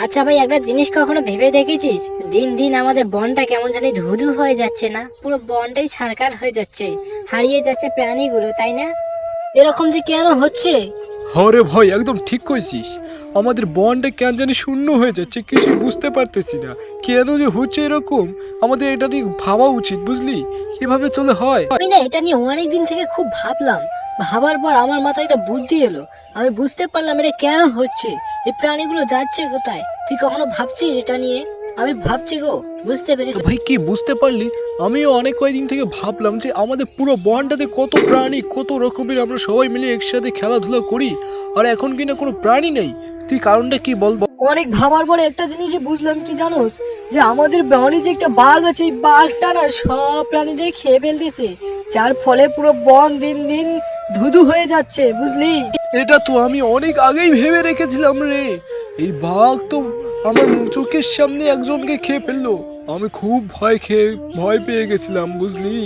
আচ্ছা ভাই, একটা জিনিস কখনো ভেবে দেখেছিস? দিন দিন আমাদের বনটা কেমন জানি ধুধু হয়ে যাচ্ছে না? পুরো বনটাই ছারকার হয়ে যাচ্ছে, হারিয়ে যাচ্ছে প্রাণীগুলো, তাই না? এরকম যে কেন হচ্ছে? হরে ভাই, একদম ঠিক কইছিস। আমাদের বনটা কেন জানি শূন্য হয়ে যাচ্ছে, কিছু বুঝতে পারতেছি না কেন যে হচ্ছে এরকম। আমাদের এটা নিয়ে ভাবা উচিত, বুঝলি? কিভাবে চলে হয়। আমি না এটা নিয়ে অনেক দিন থেকে খুব ভাবলাম। ভাবার পর আমার মাথায় একটা বুদ্ধি এলো। আমি বুঝতে পারলাম এটা কেন হচ্ছে, এই প্রাণীগুলো যাচ্ছে কোথায়। তুই কখনো ভাবছিস এটা নিয়ে? আমি ভাবছি গো, বুঝতে পেরেছি। ভাই, কি বুঝতে পারলি? আমিও অনেক কয়েকদিন থেকে ভাবলাম যে আমাদের পুরো বনটাতে কত প্রাণী, কত রকমের, আমরা সবাই মিলে একসাথে খেলাধুলা করি, আর এখন কিনা কোনো প্রাণী নেই। তুই কারণটা কি বল। অনেক ভাবার পরে একটা জিনিসই বুঝলাম, কি জানোস? যে আমাদের বনে যে একটা বাঘ আছে, এই বাঘটা না সব প্রাণীদের খেয়ে ফেলতেছে, যার ফলে পুরো বন দিন দিন ধুধু হয়ে যাচ্ছে, বুঝলি? এটা তো আমি অনেক আগেই ভেবে রেখেছিলাম রে। এই বাঘ তো আমার চোখের সামনে একজনকে খেয়ে ফেললো। আমি খুব ভয় পেয়ে গেছিলাম, বুঝলি?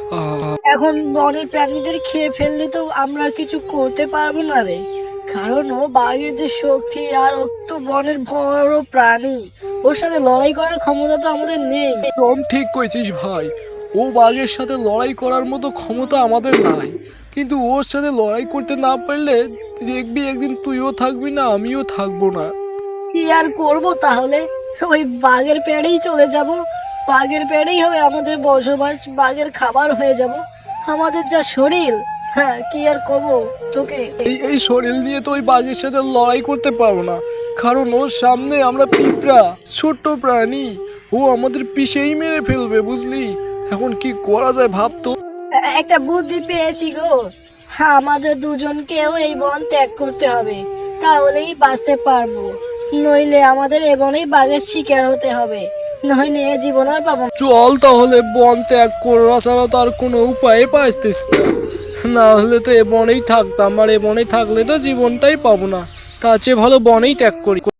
এখন বনের প্রাণীদের খেয়ে ফেললে তো আমরা কিছু করতে পারবো না রে, কারণ ও বাঘের যে শক্তি, আর ও তো বনের বড় প্রাণী, ওর সাথে লড়াই করার ক্ষমতা তো আমাদের নেই। একদম ঠিক কইছিস ভাই। ও বাঘের সাথে লড়াই করার মতো ক্ষমতা আমাদের নাই, কিন্তু ওর সাথে লড়াই করতে না পারলে দেখবি একদিন তুইও থাকবি না, আমিও থাকবো না। কি আর করব তাহলে? ওই বাঘের পেড়েই চলে যাব, বাঘের পেড়েই হবে আমাদের বসবাস, বাঘের খাবার হয়ে যাব। আমাদের যা শরীর, হ্যাঁ, কি আর করব তোকে। এই শরীর নিয়ে তো ওই বাঘের সাথে লড়াই করতে পারবো না, কারণ ওর সামনে আমরা পিঁপড়া, ছোট্ট প্রাণী। ও আমাদের পিষেই মেরে ফেলবে, বুঝলি? এখন কি করা যায় ভাবতো। একটা বুদ্ধি পেয়েছি গো। হ্যাঁ, আমাদের দুজনকেও এই বন ত্যাগ করতে হবে, তাহলেই বাঁচতে পারবো। নইলে আমাদের এ বনেই বাঘের শিকার হতে হবে, নইলে এ জীবন আর পাবো না। চল তাহলে, বন ত্যাগ করা ছাড়া তো আর কোনো উপায় পাইতেছি না। না হলে তো এ বনেই থাকতাম, আর এ বনে থাকলে তো জীবনটাই পাবো না। তার চেয়ে ভালো বনেই ত্যাগ করি।